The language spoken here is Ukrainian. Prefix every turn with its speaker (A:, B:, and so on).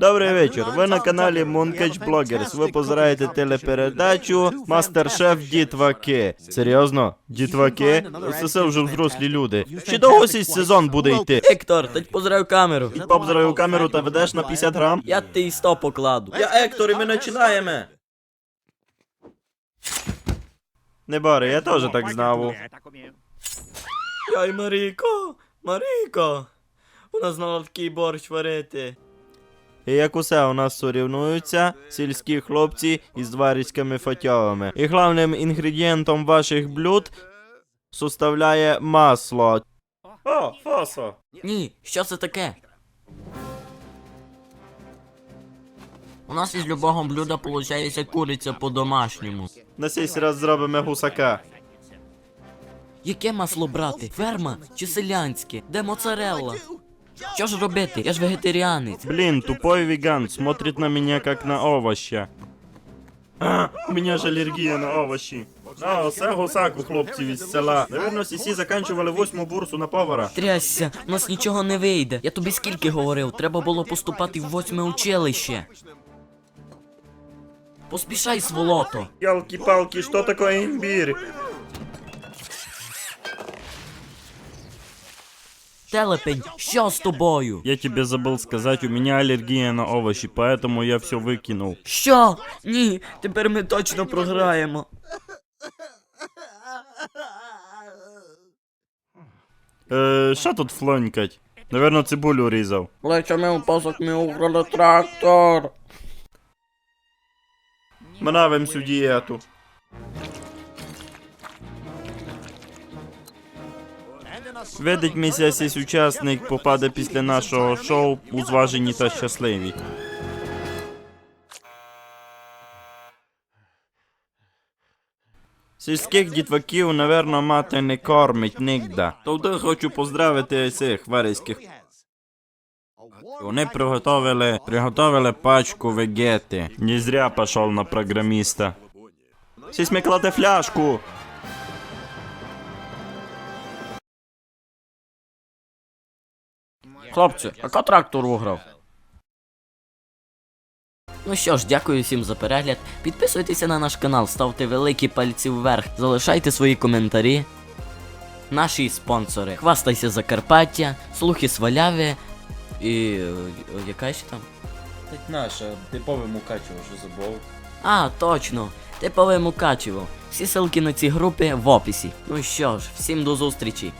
A: Добрий вечір. Ви на каналі Mooncatch Bloggers. Ви позираєте телепередачу Мастер-шеф Дітваки. Серйозно? Дітваки? Це вже взрослі люди. Чи довго цей сезон буде йти?
B: Ектор, та позираю камеру.
A: Побзираю камеру та ведеш на 50 грам?
B: Я ти і 100 покладу.
A: Я Ектор, і ми починаємо. Не бори, я теж так знав.
B: Яй, Марійко, вона знала такий борщ варити.
A: І як усе у нас сорівнуються сільські хлопці із дварськими фатьовими. І головним інгредієнтом ваших блюд составляє масло. О, фосо!
B: Ні, що це таке? У нас із любого блюда получається куриця по-домашньому.
A: На цей раз зробимо гусака.
B: Яке масло брати? Ферма чи селянське? Де моцарелла? Що ж робити? Я ж вегетаріанець.
A: Блин, тупой веган, смотрит на меня как на овоща. У меня ж алергія на овощі. Оце гусак у хлопців із села. Наверно, сісі заканчували 8-му бурсу на повара.
B: Трясся, у нас нічого не вийде. Я тобі скільки говорив, треба було поступати в 8-ме училище. Поспішай, сволото.
A: Ялки-палки, що таке імбір?
B: Телепень, що з тобою?
A: Я тебе забыл сказать, у меня аллергия на овощи, поэтому я все выкинул.
B: Що? Ні, тепер ми точно програємо.
A: Що тут флонькать? Наверно, цибулю різав.
B: Лечами у посок ми украли трактор.
A: Минавим всю дієту. Видить місяць учасник попаде після нашого шоу у зважені та щасливі. Сільських дітваків, наверно, мати не кормить нігда. Тобто хочу поздравити цих варейських. Вони приготовили пачку вегети. Не зря пішов на програміста. Сісь ми кладе фляжку.
B: Хлопці, а трактор виграв? Ну що ж, дякую всім за перегляд. Підписуйтеся на наш канал, ставте великі пальці вверх, залишайте свої коментарі. Наші спонсори: Хвастайся Закарпаття, Слухи Сваляві і... яка ще там?
A: Так наша, типове Мукачево, що забув.
B: А, точно, типове Мукачево. Всі ссылки на ці групи в описі. Ну що ж, всім до зустрічі.